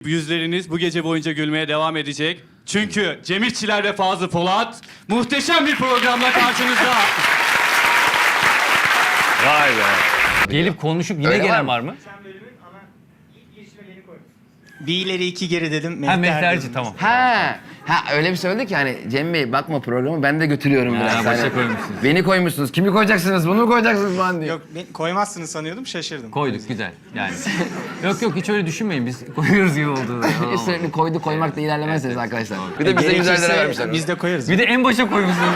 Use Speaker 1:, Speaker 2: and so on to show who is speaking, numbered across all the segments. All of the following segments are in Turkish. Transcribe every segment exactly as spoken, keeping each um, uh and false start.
Speaker 1: yüzleriniz bu gece boyunca gülmeye devam edecek. Çünkü Cem İşçiler ve Fazlı Polat muhteşem bir programla karşınızda.
Speaker 2: Vay be. Gelip konuşup yine
Speaker 3: Öyle var
Speaker 2: gelen
Speaker 3: mı?
Speaker 2: var mı?
Speaker 4: Bir ileri iki geri dedim.
Speaker 2: Ha
Speaker 4: Mehter
Speaker 2: Mehterci
Speaker 4: dedim.
Speaker 2: tamam.
Speaker 3: Ha, ha öyle bir söyledi ki hani Cem Bey bakma programı ben de götürüyorum
Speaker 2: Ha,
Speaker 3: biraz.
Speaker 2: başa
Speaker 3: Hani,
Speaker 2: koymuşsunuz.
Speaker 3: Beni koymuşsunuz. Kimi koyacaksınız? Bunu mu koyacaksınız falan diye.
Speaker 4: Yok ben koymazsınız sanıyordum şaşırdım.
Speaker 2: Koyduk güzel yani. yok yok hiç öyle düşünmeyin biz koyuyoruz gibi oldu.
Speaker 3: Hiç sürekli koydu koymakla ilerlemezsiniz arkadaşlar. Bir de bize yüz lira vermişler.
Speaker 4: Biz de koyarız.
Speaker 2: Bir de en başa koymuşsunuz.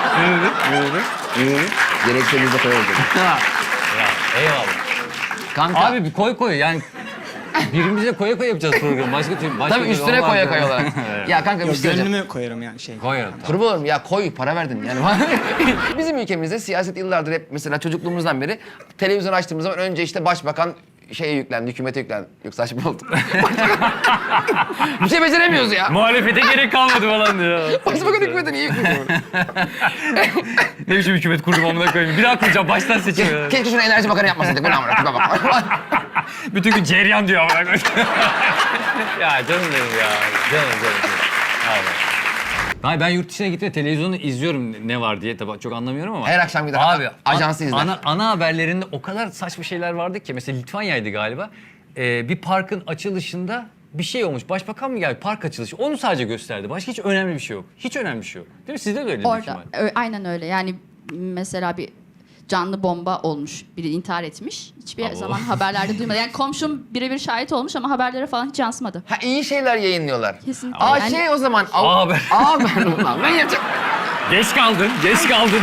Speaker 3: Gerekse biz de koyarız.
Speaker 2: Eyvallah.
Speaker 3: Kanka.
Speaker 2: Abi bir koy koy yani birimize koya koya yapacağız programı. Başka türlü başka
Speaker 3: Tabii
Speaker 2: türlü
Speaker 3: üstüne
Speaker 2: olmaz
Speaker 3: koya
Speaker 2: yani.
Speaker 3: koya olarak. Ya kanka bir
Speaker 4: Yok
Speaker 3: şey söyleyeceğim.
Speaker 4: gönlümü koyarım yani şey.
Speaker 2: Koyarım tamam.
Speaker 3: Kurban olayım ya koy para verdin yani. Bizim ülkemizde siyaset yıllardır hep mesela çocukluğumuzdan beri televizyon açtığımız zaman önce işte başbakan şeye yüklendi, hükümete yüklendi. Yok saçma oldu. Bir şey beceremiyoruz ya.
Speaker 2: Muhalefete gerek kalmadı falan diyor.
Speaker 3: Başbakan hükümete niye yükleniyor?
Speaker 2: Ne biçim hükümet kurdum amına koyayım. Bir daha kuracağım baştan seçiyorum.
Speaker 3: Keşke şunu enerji bakanı yapmasaydık. Ben amına koyayım, bak.
Speaker 2: Bütün gün ceryan diyor amına koyayım. ya canım benim ya. Canım canım. canım. Abi. Hayır ben yurt dışına gitme televizyonu izliyorum ne var diye tabii çok anlamıyorum ama.
Speaker 3: Her akşam gider
Speaker 2: Abi
Speaker 3: ajansı izler.
Speaker 2: Ana, ana haberlerinde o kadar saçma şeyler vardı ki mesela Litvanya'ydı galiba. Ee, bir parkın açılışında bir şey olmuş. Başbakan mı geldi? Park açılışı. Onu sadece gösterdi. Başka hiç önemli bir şey yok. Hiç önemli bir şey yok. Değil mi? Sizde de öyle
Speaker 5: Orada. Ö- aynen öyle. Yani mesela bir canlı bomba olmuş. Biri intihar etmiş. Hiçbir
Speaker 2: Abo.
Speaker 5: zaman haberlerde duymadı. Yani komşum birebir şahit olmuş ama haberlere falan hiç yansımadı.
Speaker 3: Ha iyi şeyler yayınlıyorlar.
Speaker 5: Kesinlikle.
Speaker 3: Aa
Speaker 5: Yani-
Speaker 3: şey o zaman.
Speaker 2: A haber.
Speaker 3: A haber ulan. Ben yapacağım.
Speaker 2: Geç kaldın. Geç kaldın.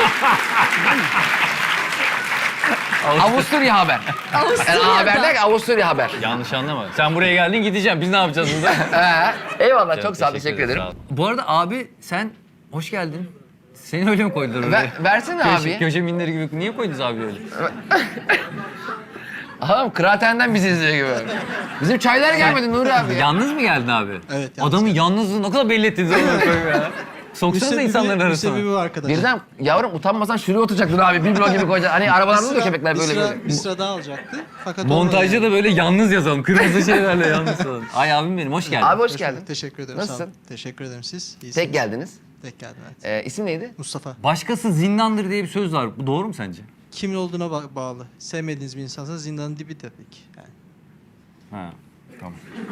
Speaker 3: Avusturya haber. Yani
Speaker 5: Avusturya'da.
Speaker 3: A haber der ki Avusturya haber.
Speaker 2: Yanlış anlama. Sen buraya geldin gideceğim. Biz ne yapacağız burada?
Speaker 3: He. Eyvallah çok sağ ol teşekkür ederim.
Speaker 2: sağ ol. Bu arada abi sen hoş geldin. Seni öyle mi koydular oraya?
Speaker 3: Ver, versene
Speaker 2: Köşe,
Speaker 3: abi.
Speaker 2: köşe minleri gibi. Niye koydunuz abi öyle?
Speaker 3: Adam kıraathaneden bizi izliyor gibi. Bizim çaylar gelmedi Nuri abi ya.
Speaker 2: Yalnız mı geldin abi?
Speaker 4: Evet, yalnız
Speaker 2: Adamın yalnızlığını ne kadar belli ettiniz amına koyayım ya. Soksanız da insanların arasına.
Speaker 4: Müsebbibi var arkadaşlar.
Speaker 3: Birden yavrum utanmasan şuraya oturacaktın abi. Bir blok gibi koyacaksın. Hani arabalarda oluyor köpekler
Speaker 4: bir
Speaker 3: böyle
Speaker 4: sıra,
Speaker 3: böyle.
Speaker 4: Bir sıra daha alacaktı. Fakat
Speaker 2: Montajda
Speaker 4: olmadı
Speaker 2: da böyle yalnız yazalım. Kırmızı şeylerle yalnız yazalım. Ay abim benim hoş geldin.
Speaker 3: Abi hoş
Speaker 4: yani.
Speaker 3: geldin.
Speaker 4: Teşekkür ederim.
Speaker 3: Nasılsın?
Speaker 4: Sağ olun. Teşekkür ederim siz. İyisiniz.
Speaker 3: Tek geldiniz.
Speaker 4: Tek geldim evet.
Speaker 3: Ee, isim neydi?
Speaker 4: Mustafa.
Speaker 2: Başkası zindandır diye bir söz var. Bu doğru mu sence?
Speaker 4: Kimin olduğuna ba- bağlı. Sevmediğiniz bir insansa zindanın dibi tabii ki. Yani.
Speaker 2: Ha. Tamam.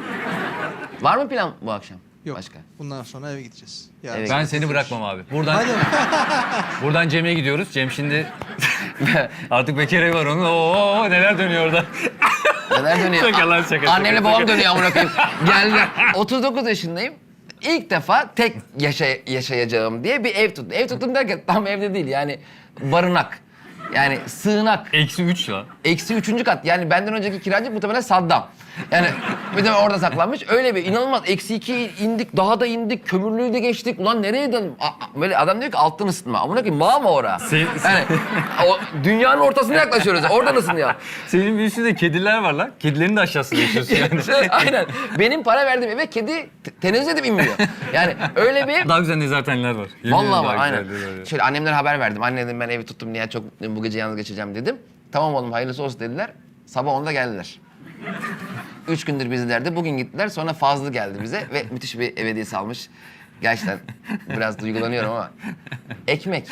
Speaker 3: Var mı plan bu akşam?
Speaker 4: Yok.
Speaker 3: Başka.
Speaker 4: Bundan sonra eve gideceğiz. Yarın
Speaker 3: Eve
Speaker 4: sabah
Speaker 2: Ben seni bırakmam abi. Buradan
Speaker 4: Hadi.
Speaker 2: buradan Cem'e gidiyoruz. Cem şimdi artık bekar evi var onun. Oo neler dönüyor orada.
Speaker 3: Neler dönüyor?
Speaker 2: Şaka lan, şaka,
Speaker 3: Annemle
Speaker 2: şaka,
Speaker 3: babam
Speaker 2: şaka.
Speaker 3: dönüyor amına koyayım. Geldiler. otuz dokuz yaşındayım. İlk defa tek yaşay yaşayacağım diye bir ev tuttum. Ev tuttum derken tam evde değil yani barınak. Yani sığınak.
Speaker 2: Eksi üç ya.
Speaker 3: Eksi üçüncü kat. Yani benden önceki kiracı muhtemelen Saddam. Yani bir de orada saklanmış. Öyle bir inanılmaz. Eksi iki indik, daha da indik, kömürlüğü de geçtik. Ulan nereye döndüm? A- a- Böyle adam diyor ki alttan ısıtma. Amına koyayım mağara ora.
Speaker 2: Sen-
Speaker 3: Yani o dünyanın ortasına yaklaşıyoruz. Oradan ısınıyor.
Speaker 2: Senin bir üstünde kediler var lan. Kedilerin de aşağısında yaşıyorsun yani.
Speaker 3: Aynen. Benim para verdiğim eve kedi te- tenezzül edip inmiyor. Yani öyle bir...
Speaker 2: Daha güzel nezarethaneler var. Yemin ederim
Speaker 3: Vallahi var
Speaker 2: daha
Speaker 3: aynen.
Speaker 2: güzelleri var.
Speaker 3: Şöyle annemlere haber verdim. Anne dedim ben evi tuttum diye çok mutluyum. Bu gece yalnız geçeceğim dedim. Tamam oğlum hayırlısı olsun dediler. Sabah onda geldiler. Üç gündür bizlerdi. Bugün gittiler. Sonra Fazlı geldi bize ve müthiş bir ev hediyesi almış. Gerçekten biraz duygulanıyorum ama. Ekmek.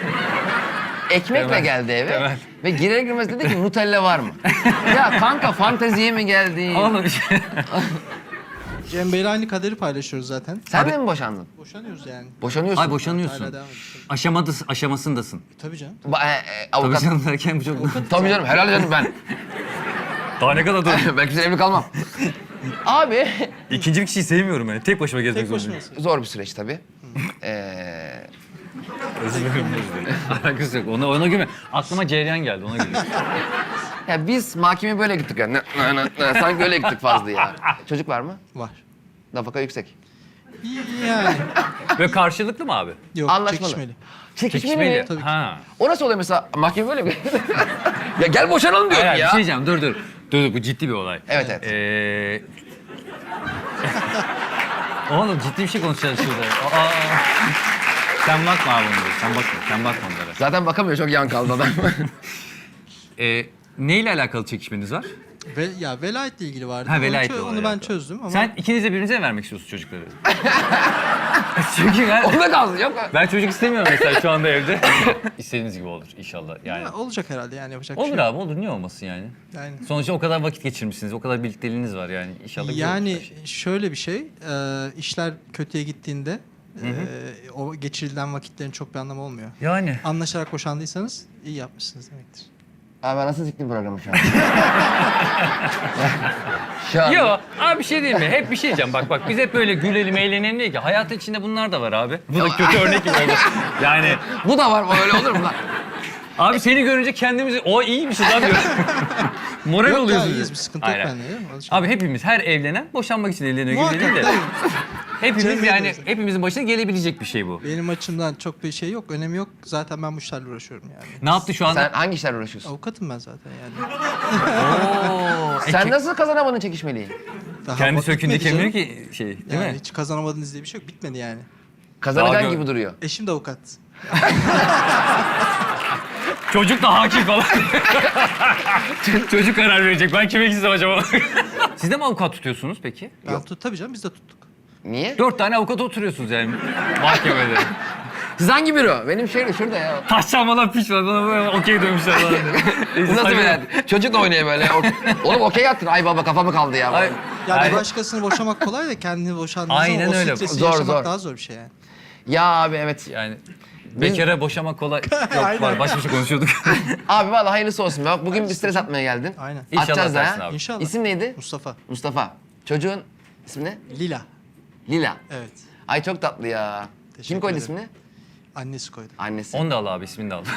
Speaker 3: Ekmekle
Speaker 2: Temel,
Speaker 3: geldi eve
Speaker 2: temel.
Speaker 3: ve girer girmez dedi ki Nutella var mı? Ya kanka fanteziye mi geldin?
Speaker 2: Oğlum
Speaker 4: Cem Bey'le aynı kaderi paylaşıyoruz zaten.
Speaker 3: Sen de mi boşandın?
Speaker 4: Boşanıyoruz yani.
Speaker 3: Boşanıyorsun.
Speaker 2: Ay boşanıyorsun.
Speaker 4: Hala devam ediyoruz.
Speaker 2: Aşamadasın, aşamasındasın.
Speaker 4: Tabii canım.
Speaker 3: Ba- e, e,
Speaker 2: Tabii
Speaker 3: avukat.
Speaker 2: canım derken bu çok...
Speaker 3: Tabii canım helal canım ben.
Speaker 2: Daha ne kadar dur.
Speaker 3: Belki sen evli kalmam. Abi
Speaker 2: İkinci bir kişiyi sevmiyorum ben. Tek başıma gezmek
Speaker 4: Tek
Speaker 2: zorundayım.
Speaker 4: başınasın.
Speaker 3: zor bir süreç tabii. Ee,
Speaker 2: Özür dilerim. Alakası yok. Ona, ona güme. Aklıma cereyan geldi. Ona gülüyorum.
Speaker 3: ya biz mahkemeye böyle gittik yani. Nı- nı- nı- Sanki öyle gittik fazla ya. Çocuk var mı?
Speaker 4: Var.
Speaker 3: Nafaka yüksek.
Speaker 4: Yani.
Speaker 2: Ve karşılıklı mı abi?
Speaker 4: Yok
Speaker 3: Anlaşmalı.
Speaker 4: çekişmeli.
Speaker 3: Çekişmeli mi?
Speaker 4: Tabii ki.
Speaker 2: Ha.
Speaker 3: O nasıl oluyor mesela? Mahkeme böyle mi? ya gel boşanalım diyorum
Speaker 2: Hayır,
Speaker 3: ya.
Speaker 2: bir şey diyeceğim. Dur dur. Dur dur bu ciddi bir olay.
Speaker 3: Evet evet.
Speaker 2: Ee... Oğlum ciddi bir şey konuşacağız şurada. Aa. Sen bakma abi onlara. Sen bakma. Sen bakma onlara.
Speaker 3: Zaten bakamıyor çok yan kaldı adam.
Speaker 2: Ee, neyle alakalı çekişmeniz var?
Speaker 4: Ve, ya velayetle ilgili vardı.
Speaker 2: Ha,
Speaker 4: Onu
Speaker 2: velayetle
Speaker 4: çö-
Speaker 2: olay
Speaker 4: Onu ben
Speaker 2: alakalı.
Speaker 4: çözdüm ama...
Speaker 2: Sen ikiniz de birbirinize mi vermek istiyorsun çocukları? Çünkü ben,
Speaker 3: Onda kalsın yok mu?
Speaker 2: ben çocuk istemiyorum mesela şu anda evde. İstediğiniz gibi olur inşallah yani.
Speaker 4: Ha, olacak herhalde yani yapacak bir
Speaker 2: Olur
Speaker 4: şey yok.
Speaker 2: abi olur, niye olmasın yani?
Speaker 4: Yani,
Speaker 2: Sonuçta o kadar vakit geçirmişsiniz, o kadar birlikteliğiniz var yani inşallah güzel olur
Speaker 4: yani
Speaker 2: her şey.
Speaker 4: şöyle bir şey, e, işler kötüye gittiğinde e, o geçirilen vakitlerin çok bir anlamı olmuyor.
Speaker 2: Yani.
Speaker 4: Anlaşarak boşandıysanız iyi yapmışsınız demektir.
Speaker 3: Abi ben nasıl siktim programı şu an? şu an.
Speaker 2: Yo abi bir şey diyeyim mi? Hep bir şey diyeceğim. Bak bak biz hep böyle gülelim, eğlenelim diye ki. Hayatın içinde bunlar da var abi. Bu da kötü örnek gibi oldu. Yani
Speaker 3: Bu da var mı? Öyle olur mu lan?
Speaker 2: abi seni görünce kendimizi o iyiymişiz abi. Moral
Speaker 4: Yok ya
Speaker 2: oluyoruz.
Speaker 4: iyiyiz, bir sıkıntı yok
Speaker 2: Aynen.
Speaker 4: bende. değil mi? Alışık.
Speaker 2: Abi hepimiz her evlenen boşanmak için evleniyor gibi
Speaker 4: Muhakkak,
Speaker 2: değil de.
Speaker 4: tabii.
Speaker 2: Hepimiz
Speaker 4: Cemil
Speaker 2: yani
Speaker 4: diyorsun.
Speaker 2: hepimizin başına gelebilecek bir şey bu.
Speaker 4: Benim açımdan çok bir şey yok, önemi yok. Zaten ben bu işlerle uğraşıyorum yani.
Speaker 2: Ne yaptı şu anda?
Speaker 3: Sen hangi işlerle uğraşıyorsun?
Speaker 4: Avukatım ben zaten yani.
Speaker 2: Oo,
Speaker 3: Sen
Speaker 2: e,
Speaker 3: nasıl kazanamadın çekişmeliyi?
Speaker 4: Daha
Speaker 2: kendi
Speaker 4: bak
Speaker 2: sökün
Speaker 4: bitmedi
Speaker 2: dikemiyor
Speaker 4: canım.
Speaker 2: ki şey değil
Speaker 4: Yani
Speaker 2: mi?
Speaker 4: hiç kazanamadınız diye bir şey yok. Bitmedi yani.
Speaker 3: Kazanacaksın
Speaker 2: Daha
Speaker 3: gibi
Speaker 2: gör-
Speaker 3: duruyor.
Speaker 4: Eşim de avukat.
Speaker 2: Çocuk da hakim falan. Çocuk karar verecek. Ben kime gitsem acaba? Siz de mi avukat tutuyorsunuz peki?
Speaker 4: Ben tut, tabii canım biz de tuttuk.
Speaker 3: Niye?
Speaker 2: Dört tane avukat oturuyorsunuz yani mahkemede.
Speaker 3: Siz hangi büro? Benim şey şurada ya.
Speaker 2: Taş çalmadan piç var. Bana böyle okey dövmüşler falan.
Speaker 3: Bu nasıl böyle? Çocukla oynuyor böyle. O- Oğlum okey attın. Ay baba kafamı kaldı ya.
Speaker 2: Ay,
Speaker 4: Ya
Speaker 2: ay-
Speaker 4: bir başkasını boşamak kolay da kendini boşandığın
Speaker 2: Aynen
Speaker 4: zaman o
Speaker 2: öyle.
Speaker 4: stresi
Speaker 3: Zor,
Speaker 4: yaşamak
Speaker 3: zor.
Speaker 4: daha zor bir şey yani.
Speaker 3: Ya abi evet.
Speaker 2: Yani bekara boşamak kolay. Yok var başka bir şey konuşuyorduk.
Speaker 3: Abi vallahi hayırlısı olsun. Bak bugün bir stres atmaya geldin.
Speaker 4: Aynen.
Speaker 2: İnşallah
Speaker 3: Atacağız da
Speaker 2: atarsın
Speaker 3: ha.
Speaker 2: abi.
Speaker 4: İnşallah.
Speaker 3: İsim neydi?
Speaker 4: Mustafa.
Speaker 3: Mustafa. Çocuğun ismi ne?
Speaker 4: Lila.
Speaker 3: Lila.
Speaker 4: Evet.
Speaker 3: Ay çok tatlı ya.
Speaker 4: Teşekkür
Speaker 3: Kim koydu
Speaker 4: ederim.
Speaker 3: ismini?
Speaker 4: Annesi koydu.
Speaker 3: Annesi.
Speaker 2: Onu da al abi, ismini de al.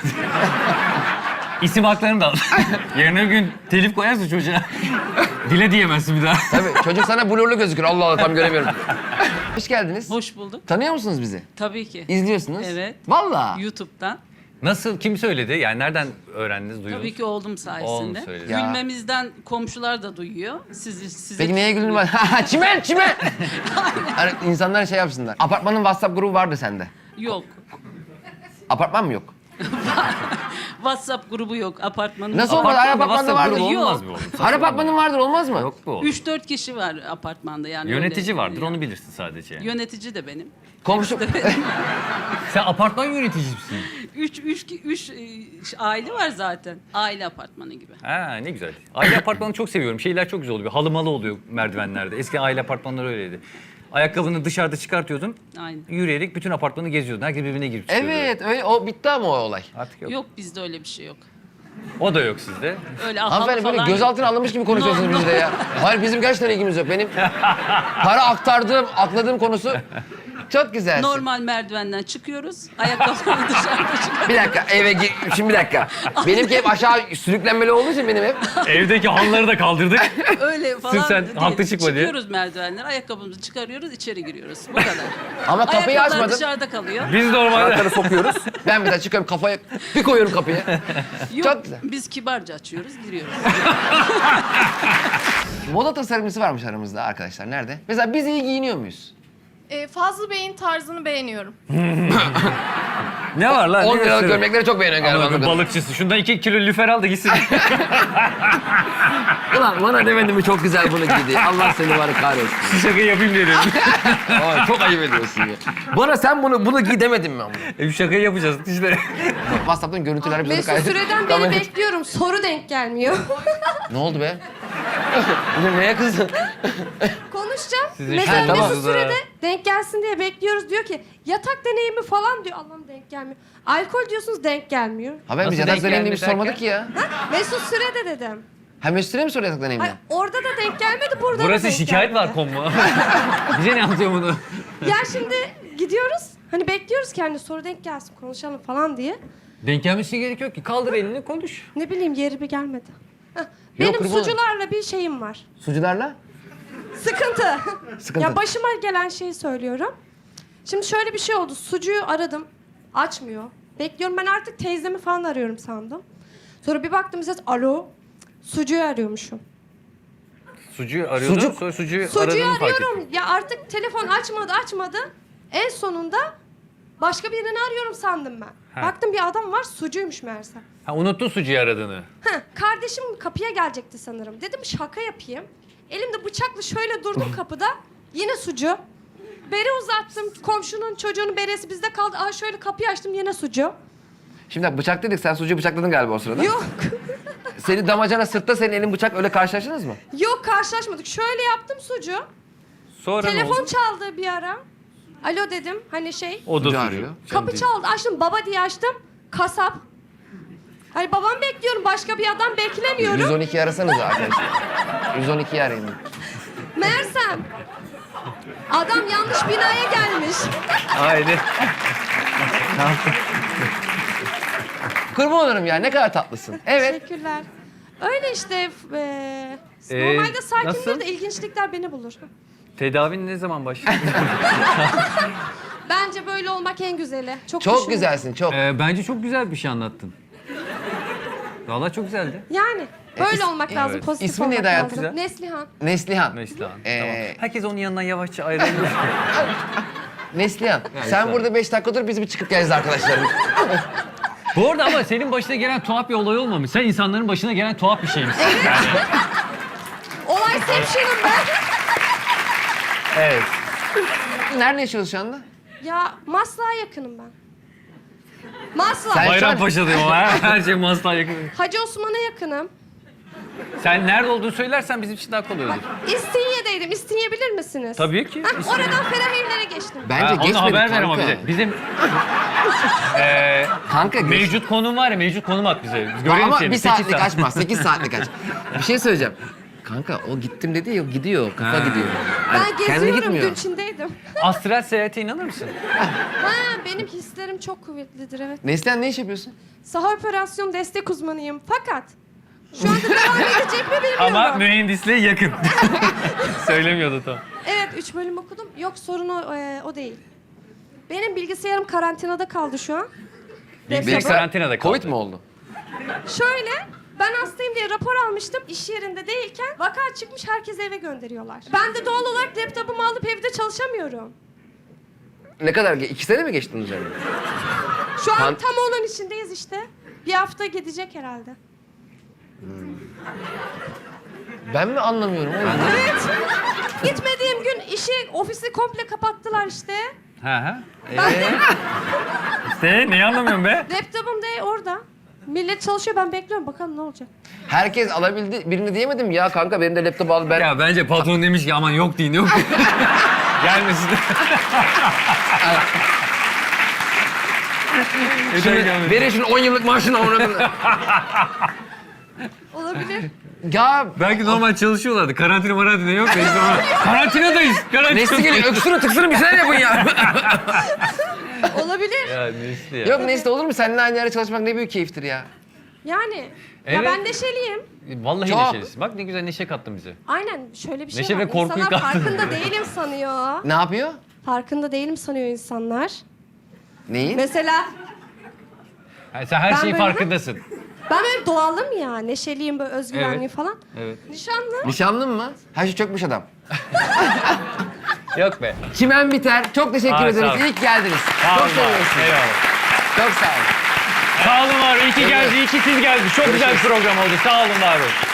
Speaker 2: İsim haklarını da al. Yarın öbür gün telif koyarsın çocuğa. Dile diyemezsin bir daha.
Speaker 3: Tabii çocuk sana blurlu gözükür. Allah Allah tam göremiyorum. Hoş geldiniz.
Speaker 6: Hoş bulduk.
Speaker 3: Tanıyor musunuz bizi?
Speaker 6: Tabii ki.
Speaker 3: İzliyorsunuz.
Speaker 6: Evet.
Speaker 3: Vallahi.
Speaker 6: YouTube'dan.
Speaker 2: Nasıl, kim söyledi? Yani nereden öğrendiniz, duydunuz?
Speaker 6: Tabii ki oğlum sayesinde.
Speaker 2: Oğlum söyledi.
Speaker 3: Ya.
Speaker 6: Gülmemizden komşular da duyuyor. Sizi, sizi
Speaker 3: Peki neye güldün? Çimen, çimen. Hani insanlar şey yapsınlar. Apartmanın WhatsApp grubu vardı sende.
Speaker 6: Yok.
Speaker 3: Apartman mı yok?
Speaker 6: WhatsApp grubu yok. Apartmanın.
Speaker 3: Nasıl olmaz? Her apartmanda
Speaker 2: WhatsApp
Speaker 3: vardır.
Speaker 2: grubu
Speaker 6: Yok.
Speaker 2: olmaz mı oğlum?
Speaker 3: Her apartmanın vardır olmaz mı?
Speaker 2: Yok bu oğlum.
Speaker 6: üç dört kişi var apartmanda yani.
Speaker 2: Yönetici
Speaker 6: öyle-
Speaker 2: vardır, onu bilirsin sadece. Yani.
Speaker 6: Yönetici de benim.
Speaker 3: Komşu.
Speaker 2: Sen apartman yöneticisi misin?
Speaker 6: Üç, üç, üç e, aile var zaten. Aile apartmanı gibi.
Speaker 2: Ha ne güzel. Aile apartmanı çok seviyorum. Şeyler çok güzel oluyor. Halı malı oluyor merdivenlerde. Eski aile apartmanları öyleydi. Ayakkabını dışarıda çıkartıyordun.
Speaker 6: Aynen.
Speaker 2: Yürüyerek bütün apartmanı geziyordun. Herkes birbirine girip çıkıyordu.
Speaker 3: Evet, öyle o bitti ama o olay.
Speaker 2: Artık yok.
Speaker 6: Yok bizde öyle bir şey yok.
Speaker 2: O da yok sizde.
Speaker 6: Öyle halı
Speaker 3: Hanımefendi böyle
Speaker 6: falan.
Speaker 3: gözaltına alınmış gibi konuşuyorsunuz
Speaker 6: No,
Speaker 3: bizde ya. Hayır bizim gerçekten ilgimiz yok. Benim para aktardığım, akladığım konusu çok güzel.
Speaker 6: Normal merdivenden çıkıyoruz. Ayakkabıları dışarıda çıkıyoruz.
Speaker 3: Bir dakika eve gir. Şimdi bir dakika. Benimki hep aşağı sürüklenmeli olduğu için benim hep.
Speaker 2: Evdeki halıları da kaldırdık.
Speaker 6: Öyle falan
Speaker 2: sen
Speaker 6: değil.
Speaker 2: haklı çıkma diye.
Speaker 6: Çıkıyoruz merdivenler, ayakkabımızı çıkarıyoruz, içeri giriyoruz. Bu kadar.
Speaker 3: Ama kapıyı
Speaker 6: Ayakkabılar
Speaker 3: açmadım.
Speaker 6: dışarıda kalıyor.
Speaker 2: Biz normalde...
Speaker 3: Anahtarı sokuyoruz. Ben mesela çıkıyorum kafaya bir koyuyorum kapıya.
Speaker 6: Yok,
Speaker 3: Çok güzel.
Speaker 6: biz kibarca açıyoruz, giriyoruz.
Speaker 3: Moda tasarımcısı varmış aramızda arkadaşlar. Nerede? Mesela biz iyi giyiniyor muyuz?
Speaker 7: Ee, Fazlı Bey'in tarzını beğeniyorum.
Speaker 2: Ne var lan?
Speaker 3: on
Speaker 2: Ne
Speaker 3: liralık
Speaker 2: gösteriyor?
Speaker 3: gömlekleri çok beğeniyor galiba.
Speaker 2: Allah'ım,
Speaker 3: anladığım.
Speaker 2: balıkçısı. Şundan iki kilo lüfer al da gitsin.
Speaker 3: Ulan bana demedin mi çok güzel bunu giydi. Allah seni var kahretsin.
Speaker 2: Şu şakayı yapayım diye dedim.
Speaker 3: Aa, çok ayıp ediyorsun ya. Bana sen bunu bunu giy demedin mi ama?
Speaker 2: E, bu şakayı yapacağız işte.
Speaker 3: WhatsApp'tan görüntüler bizi
Speaker 7: Mesut Süre'den beri bekliyorum. Soru denk gelmiyor.
Speaker 3: Ne oldu be? Neye kızdın?
Speaker 7: Konuşacağım.
Speaker 2: Sizin
Speaker 7: Mesela
Speaker 3: şey- Tamam.
Speaker 7: Mesut Süre'de denk gelsin diye bekliyoruz. Diyor ki yatak deneyimi falan diyor. Allah'ım denk gelmiyor. Alkol diyorsunuz denk gelmiyor.
Speaker 3: Ha ben
Speaker 2: Nasıl
Speaker 3: biz yatak
Speaker 2: denk
Speaker 3: deneyimini bir
Speaker 2: geldi
Speaker 3: sormadık
Speaker 2: derken?
Speaker 3: ki ya.
Speaker 7: Ha? Mesut Süre'de dedim.
Speaker 3: Ha Mesut Süre mi soruyor yatak deneyimini?
Speaker 7: Hayır, orada da denk gelmedi, burada da
Speaker 2: Burası
Speaker 7: denk
Speaker 2: şikayet
Speaker 7: gelmedi.
Speaker 2: var konma. Bize ne anlatıyor bunu?
Speaker 7: Ya şimdi gidiyoruz. Hani bekliyoruz ki hani soru denk gelsin konuşalım falan diye.
Speaker 2: Denk gelmesi gerek yok ki. Kaldır elini konuş.
Speaker 7: Ne bileyim yeri bir gelmedi. Heh, Benim
Speaker 3: kurban.
Speaker 7: sucularla bir şeyim var.
Speaker 3: Sucularla?
Speaker 7: Sıkıntı.
Speaker 3: Sıkıntı.
Speaker 7: Ya başıma gelen şeyi söylüyorum. Şimdi şöyle bir şey oldu. Sucuğu aradım. Açmıyor. Bekliyorum. Ben artık teyzemi falan arıyorum sandım. Sonra bir baktım ses alo. Sucuğu arıyormuşum.
Speaker 2: Sucuğu arıyordum.
Speaker 3: Sucuk.
Speaker 2: Sonra sucuğu,
Speaker 7: Sucuğu
Speaker 2: aradığımı fark ettim.
Speaker 7: arıyorum. Ya artık telefon açmadı açmadı. En sonunda Başka birini arıyorum sandım ben.
Speaker 2: Ha.
Speaker 7: Baktım bir adam var, sucuymuş meğerse.
Speaker 2: Ha, unuttun sucuyu aradığını.
Speaker 7: Heh, kardeşim kapıya gelecekti sanırım. Dedim şaka yapayım. Elimde bıçakla şöyle durdum kapıda. Yine sucu. Bere uzattım. Komşunun çocuğunun beresi bizde kaldı. Aa şöyle kapıyı açtım yine sucu.
Speaker 3: Şimdi bıçak dedik, sen sucuğu bıçakladın galiba o sırada.
Speaker 7: Yok.
Speaker 3: Seni damacana sırtta, senin elin bıçak, öyle karşılaştınız mı?
Speaker 7: Yok karşılaşmadık. Şöyle yaptım sucu.
Speaker 2: Sonra ne
Speaker 7: Telefon
Speaker 2: oldu?
Speaker 7: çaldı bir ara. Alo dedim. Hani şey.
Speaker 2: O da
Speaker 3: Sucu
Speaker 2: sucu.
Speaker 3: arıyor.
Speaker 7: Kapı çaldı. Açtım. Baba diye açtım. Kasap. Hani babam bekliyorum. Başka bir adam beklemiyorum.
Speaker 3: yüz on iki arasanız arkadaşlar. yüz on ikiyi arayın.
Speaker 7: Meğersem adam yanlış binaya gelmiş.
Speaker 2: Haydi.
Speaker 3: Kurban olurum ya, ne kadar tatlısın. Evet.
Speaker 7: Teşekkürler. Öyle işte. E,
Speaker 2: Ee,
Speaker 7: normalde sakindir
Speaker 2: nasıl?
Speaker 7: de ilginçlikler beni bulur.
Speaker 2: Tedavin ne zaman başladı?
Speaker 7: Bence böyle olmak en güzeli. Çok,
Speaker 3: Çok
Speaker 7: düşündüm.
Speaker 3: güzelsin, çok.
Speaker 2: Ee, bence çok güzel bir şey anlattın. Vallahi çok güzeldi.
Speaker 7: Yani böyle
Speaker 3: E, is-
Speaker 7: olmak lazım.
Speaker 2: evet.
Speaker 7: Pozitif
Speaker 3: İsmin
Speaker 7: olmak
Speaker 3: neydi
Speaker 7: lazım.
Speaker 3: hayatım?
Speaker 7: Neslihan.
Speaker 3: Neslihan.
Speaker 2: Neslihan.
Speaker 3: Ee,
Speaker 2: Tamam. Herkes onun yanından yavaşça ayrılıyor.
Speaker 3: Neslihan, sen burada beş dakika dur, biz bir çıkıp geleceğiz arkadaşlarım.
Speaker 2: Bu arada ama senin başına gelen tuhaf bir olay olmamış. Sen insanların başına gelen tuhaf bir şeymişsin.
Speaker 7: Olay sevşinim ben.
Speaker 2: Evet.
Speaker 3: Nerede yaşıyorsun şu anda?
Speaker 7: Ya Maslak'a yakınım ben. Maslak.
Speaker 3: Sen-
Speaker 2: Bayrampaşa'dayım ama her, her şey Maslak'a yakın.
Speaker 7: Hacı Osman'a yakınım.
Speaker 2: Sen nerede olduğunu söylersen bizim için daha kolay olur.
Speaker 7: İstinye'deydim. İstinye bilir misiniz?
Speaker 2: Tabii ki.
Speaker 7: Hah, oradan Ferah Evler'e geçtim.
Speaker 3: Bence
Speaker 2: Ha, onu
Speaker 3: geçmedik
Speaker 2: haber ver
Speaker 3: kanka.
Speaker 2: ama bize. Bizim eee
Speaker 3: Kanka geç.
Speaker 2: mevcut konum var ya, mevcut konum at bize. Biz görelim
Speaker 3: Ama
Speaker 2: seni.
Speaker 3: bir
Speaker 2: Sekiz
Speaker 3: saatlik
Speaker 2: saat.
Speaker 3: açmaz, sekiz saatlik aç. Bir şey söyleyeceğim. Kanka o gittim dedi ya, gidiyor, kafa
Speaker 2: Ha.
Speaker 3: gidiyor.
Speaker 7: Ben
Speaker 3: Yani kendine
Speaker 7: geziyorum.
Speaker 3: gitmiyor.
Speaker 7: Gün içindeydim.
Speaker 2: Astral seyahate inanır mısın?
Speaker 7: Ha, benim hislerim çok kuvvetlidir evet.
Speaker 3: Neslihan, ne iş yapıyorsun?
Speaker 7: Saha operasyon destek uzmanıyım. Fakat şu anda devam edecek mi bilmiyorum.
Speaker 2: Ama mühendisliğe yakın. Söylemiyordu tam.
Speaker 7: Evet, üç bölüm okudum. Yok sorun o, e, o değil. Benim bilgisayarım karantinada kaldı şu an.
Speaker 2: Bilgisayar
Speaker 7: Laptopum.
Speaker 2: karantinada kaldı.
Speaker 3: Covid mi oldu?
Speaker 7: Şöyle, ben hastayım diye rapor almıştım. İş yerinde değilken vaka çıkmış, herkes eve gönderiyorlar. Ben de doğal olarak laptopumu alıp evde çalışamıyorum.
Speaker 3: Ne kadar? ge- İki sene mi geçtin üzerine?
Speaker 7: Şu an
Speaker 3: Kan-
Speaker 7: tam onun içindeyiz işte. Bir hafta gidecek herhalde.
Speaker 3: Ben mi anlamıyorum oğlum?
Speaker 7: Evet. Gitmediğim gün işi, ofisi komple kapattılar işte.
Speaker 2: Ha ha. Ee? İşte neyi anlamıyorum be?
Speaker 7: Laptopum da orada. Millet çalışıyor, ben bekliyorum. Bakalım ne olacak.
Speaker 3: Herkes alabildi, birini diyemedim ya kanka, benim de laptop al, ben...
Speaker 2: Ya bence patron demiş ki aman yok deyin yok. Gelmesin.
Speaker 3: Şimdi verin şunu on yıllık maaşını ona.
Speaker 7: Olabilir.
Speaker 3: Ya
Speaker 2: Belki normal çalışıyorlardı. Karantina marantina yok. Neyse ama karantinadayız. Karantina.
Speaker 3: Nesli geliyor, öksürün tıksırın bir şeyler yapın ya.
Speaker 7: Olabilir.
Speaker 2: Ya Nesli ya.
Speaker 3: Yok Nesli, olur mu? Seninle aynı yerde çalışmak ne büyük keyiftir ya.
Speaker 7: Yani. Ya
Speaker 2: Evet.
Speaker 7: ben neşeliyim.
Speaker 2: Vallahi
Speaker 3: Çok.
Speaker 2: neşelisin. Bak ne güzel neşe kattın bize.
Speaker 7: Aynen şöyle bir şey
Speaker 2: Neşe
Speaker 7: var.
Speaker 2: ve korkuyu
Speaker 7: İnsanlar
Speaker 2: kattın.
Speaker 7: farkında değilim sanıyor.
Speaker 3: Ne yapıyor?
Speaker 7: Farkında değilim sanıyor insanlar.
Speaker 3: Neyi?
Speaker 7: Mesela
Speaker 2: Ha, sen her
Speaker 7: Ben
Speaker 2: şeyin
Speaker 7: böyle-
Speaker 2: farkındasın.
Speaker 7: ben böyle doğalım ya. Neşeliyim, böyle özgüvenliyim
Speaker 2: Evet.
Speaker 7: falan.
Speaker 2: Evet.
Speaker 7: Nişanlı.
Speaker 3: Nişanlın mı? Her şey çökmüş adam.
Speaker 2: Yok be.
Speaker 3: Çimen biter. Çok teşekkür
Speaker 2: Aa,
Speaker 3: ederiz.
Speaker 2: sağ ol.
Speaker 3: İyi ki geldiniz.
Speaker 2: Sağ
Speaker 3: Çok
Speaker 2: olun var.
Speaker 3: seviyorsun.
Speaker 2: Eyvallah.
Speaker 3: Çok sağ ol.
Speaker 2: Sağ olun var. İyi ki geldi. İyi ki siz geldiniz. Çok güzel bir program oldu. Sağ olun var olun.